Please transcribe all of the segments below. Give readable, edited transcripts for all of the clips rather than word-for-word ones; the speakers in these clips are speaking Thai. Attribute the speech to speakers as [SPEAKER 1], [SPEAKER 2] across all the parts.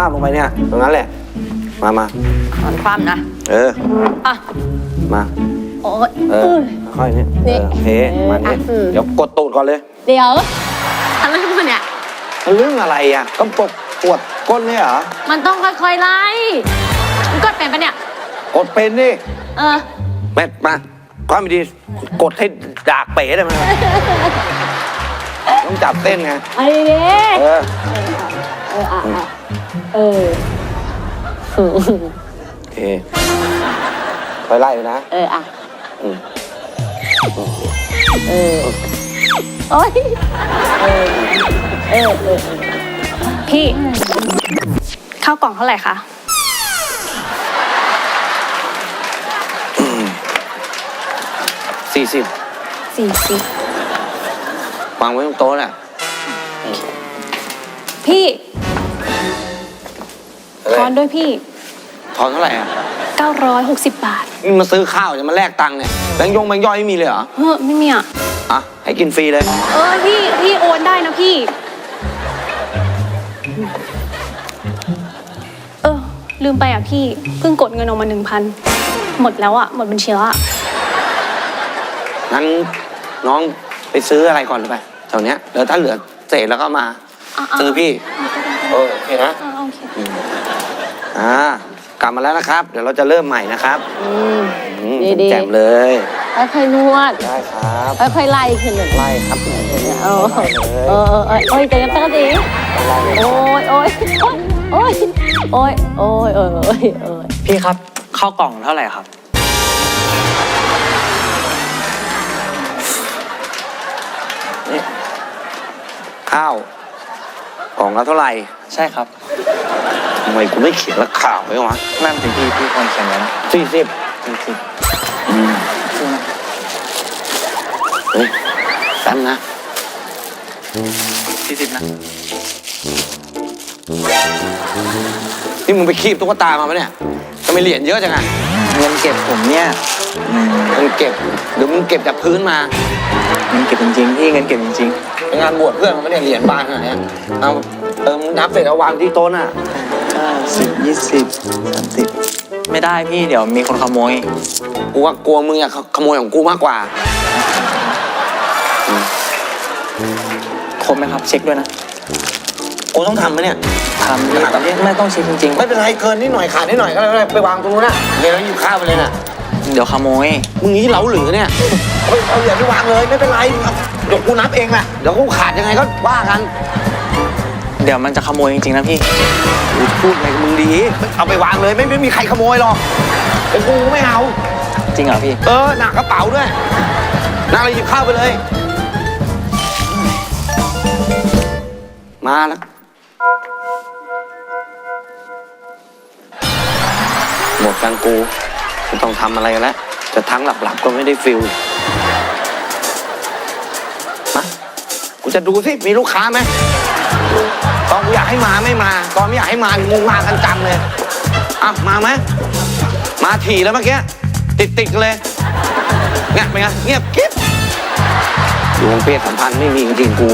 [SPEAKER 1] บลงไปเนี่ยตรงนั้นแหละมา
[SPEAKER 2] นอนคว่ำนะอ่ะ
[SPEAKER 1] มา
[SPEAKER 2] โอ้ย
[SPEAKER 1] ค่อยนี่โอเคมาเนี่ยเดี๋ยวกดตูดก่อนเลย
[SPEAKER 2] เดี๋ยวอะไรมันเนี่ย
[SPEAKER 1] เรื่องอะไรอ่ะก็ปวดก้นเนี่ยเหรอ
[SPEAKER 2] มันต้องค่อยๆไล่มันกดเป็นปะเนี่ย
[SPEAKER 1] กดเป็นดิแม่มาความดีกดให้ดากเป๋ได้ไหมต้องจับเต้นไง
[SPEAKER 2] ไอ้เด้
[SPEAKER 1] โอเคค่อยไล่เลยนะ
[SPEAKER 2] โอ๊ยพี่ข้าวกล่องเท่าไหร่คะ40
[SPEAKER 1] วางไว้ตรงโต๊ะน่ะ
[SPEAKER 2] พี่ทอนด้วยพี่
[SPEAKER 1] ทอนเท่าไหร่อ่ะ
[SPEAKER 2] 960 บาท
[SPEAKER 1] นี่มาซื้อข้าวจะมาแลกตังค์เนี่ยแบงค์ย่อยไม่มีเลยเหรอ
[SPEAKER 2] ไม่มีอ่ะ
[SPEAKER 1] ให้กินฟรีเลย
[SPEAKER 2] พี่โอนได้นะพี่ลืมไปอ่ะพี่เพิ่งกดเงินออกมา 1,000หมดแล้วอ่ะหมดบัญชีแล้วอ่ะ
[SPEAKER 1] งั้นน้องไปซื้ออะไรก่อนเลยไปแถวเนี้ยแล้วถ้าเหลือเศษแล้วก็มาซื้อพี่โอเคนะ
[SPEAKER 2] โอเค
[SPEAKER 1] กลับมาแล้วนะครับเดี๋ยวเราจะเริ่มใหม่นะครับแจ่มเลย
[SPEAKER 2] ค่อยๆนวด
[SPEAKER 1] ได้ครับ
[SPEAKER 2] ค่อยๆไล่ขึ้นเลย
[SPEAKER 1] ไล่ครับ
[SPEAKER 2] ใจกันตั้งดีโอ้ย
[SPEAKER 3] พี่ครับข้าวกล่องเท่าไหร่ครับ
[SPEAKER 1] ข้าวกล่องละเท่าไหร่
[SPEAKER 3] ใช่ครับ
[SPEAKER 1] ทำไมกูไม่เขียนราคาไว้วะ
[SPEAKER 3] นั่นสิพี่คนเขียนไว้นะ
[SPEAKER 1] 40เฮ้ยแป๊บนะ
[SPEAKER 3] 40นะ
[SPEAKER 1] นี่มึงไปคีบตุ๊กตามาปะเนี่ยทำไมเหรียญเยอะจังอะ
[SPEAKER 3] เงินเก็บผมเนี่ย
[SPEAKER 1] เงินเก็บหรือมึงเก็บจากพื้นมา
[SPEAKER 3] เงินเก็บจริงๆพี่เงินเก็บจริง
[SPEAKER 1] ๆเป็นงานบวชเพื่อนเขาไม่ได้เหรียญบานขนาดนี้เอามึงนับเสร็จเอาวางที่โต๊ะน่ะ
[SPEAKER 3] 10 20 30ไม่ได้พี่เดี๋ยวมีคนขโมย
[SPEAKER 1] กูว่ากลัวมึงอยากขโมยของกูมากกว่า
[SPEAKER 3] ครบไหมครับเช็คด้วยนะ
[SPEAKER 1] กูต้องทำไหมเนี่ย
[SPEAKER 3] ทำพี่แต่ไม่ต้องเช็คจริง
[SPEAKER 1] ๆไม่เป็นไรเกินนิดหน่อยขาดนิดหน่อยก็ได้ไปวางตรงนู้นนะเดี๋ยวเราหยิบข้าวไปเลยน่ะ
[SPEAKER 3] เดี๋ยวขโมย
[SPEAKER 1] มึงนี้เหลาหรือเนี่ยเอาเหรียญไปวางเลยไม่เป็นไรเดี๋ยวกูนับเองแหละเดี๋ยวกูขาดยังไงก็ว่ากัน
[SPEAKER 3] เดี๋ยวมันจะขโมยจริงๆนะพี่
[SPEAKER 1] พูดไงมึงดีเอาไปวางเลยไม่มีใครขโมยหรอกเป็นกูไม่เอา
[SPEAKER 3] จริงเหรอพี่
[SPEAKER 1] หนักกระเป๋าด้วยหนักเลยหยิบข้าวไปเลยมาแล้วหมดกันกูไม่ต้องทำอะไรกันแล้วจะทั้งหลับก็ไม่ได้ฟิลมากูจะดูสิมีลูกค้าไหมตอนกูอยากให้มาไม่มาตอนไม่อยากให้มามึงมากันจังเลยมาไหมมาถี่แล้วเมื่อกี้ติดเลยเงี้ยเป็นไงเงียบกิ๊บดวงเพศสัมพันธ์ไม่มีจริงๆกู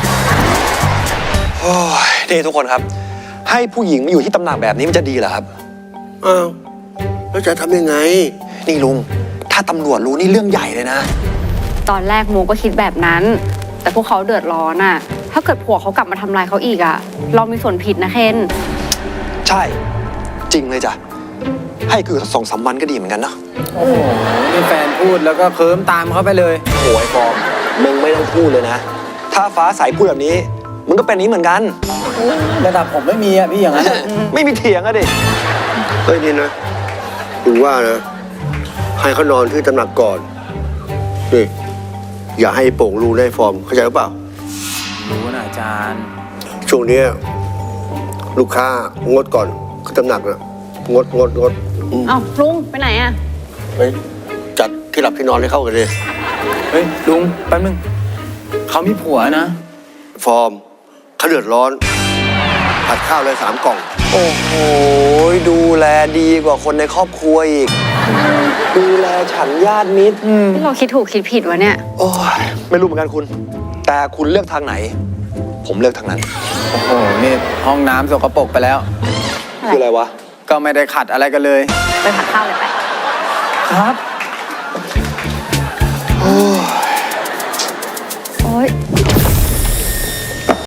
[SPEAKER 4] โอ้ยนี่ทุกคนครับให้ผู้หญิงมาอยู่ที่ตำแหน่งแบบนี้มันจะดีเหรอครับ
[SPEAKER 5] แล้วจะทำยังไง
[SPEAKER 4] นี่ลุงถ้าตำรวจรู้นี่เรื่องใหญ่เลยนะ
[SPEAKER 2] ตอนแรกโมก็คิดแบบนั้นแต่พวกเขาเดือดร้อนอ่ะถ้าเกิดผัวเขากลับมาทำลายเขาอีกอ่ะเรามีส่วนผิดนะเคน
[SPEAKER 4] ใช่จริงเลยจ้ะให้คือ2-3 วันก็ดีเหมือนกันเนาะ
[SPEAKER 3] โอ้โหนี่แฟนพูดแล้วก็เคิ้มตามเขาไปเลย
[SPEAKER 4] โอ้ยฟอร์มมึงไม่ต้องพูดเลยนะถ้าฟ้าใสพูดแบบนี้มึงก็เป็นนี้เหมือนกัน
[SPEAKER 3] ระดับผมไม่มีอ่ะพี่อย่างนั้น
[SPEAKER 4] ไม่มีเถียงอะดิ
[SPEAKER 5] เฮ้ยนี่นะถึงว่านะให้เขานอนที่ตำหนักก่อนนี่อย่าให้โป่งรูได้ฟอร์มเข้าใจหรือเปล่า
[SPEAKER 3] รู้นะอาจารย์
[SPEAKER 5] ช่วงนี้ลูกค้างดก่อนคือตำหนักนะงด
[SPEAKER 2] ลุงไปไหนอ่ะ
[SPEAKER 5] ไปจัดที่หลับที่นอนให้เข้ากันเลย
[SPEAKER 3] เฮ้ยลุงแป๊บนึงเขามีผัวนะ
[SPEAKER 5] ฟอร์มเขาเดือดร้อนผัดข้าวเลย3 กล่อง
[SPEAKER 4] โอ้โหดูแลดีกว่าคนในครอบครัวอีกดูแลฉันญาติมิตร
[SPEAKER 2] ที่เราคิดถูกคิดผิดวะเนี่ย
[SPEAKER 4] โอ้ยไม่รู้เหมือนกันคุณแต่คุณเลือกทางไหนผมเลือกทางนั้น
[SPEAKER 3] โอ้โหนี่ห้องน้ำสกปรกไปแล้ว
[SPEAKER 4] คืออะไรวะ
[SPEAKER 3] ก็ไม่ได้ขัดอะไรกันเลย
[SPEAKER 2] ไปผัดข้าวเลยไป
[SPEAKER 3] ครับ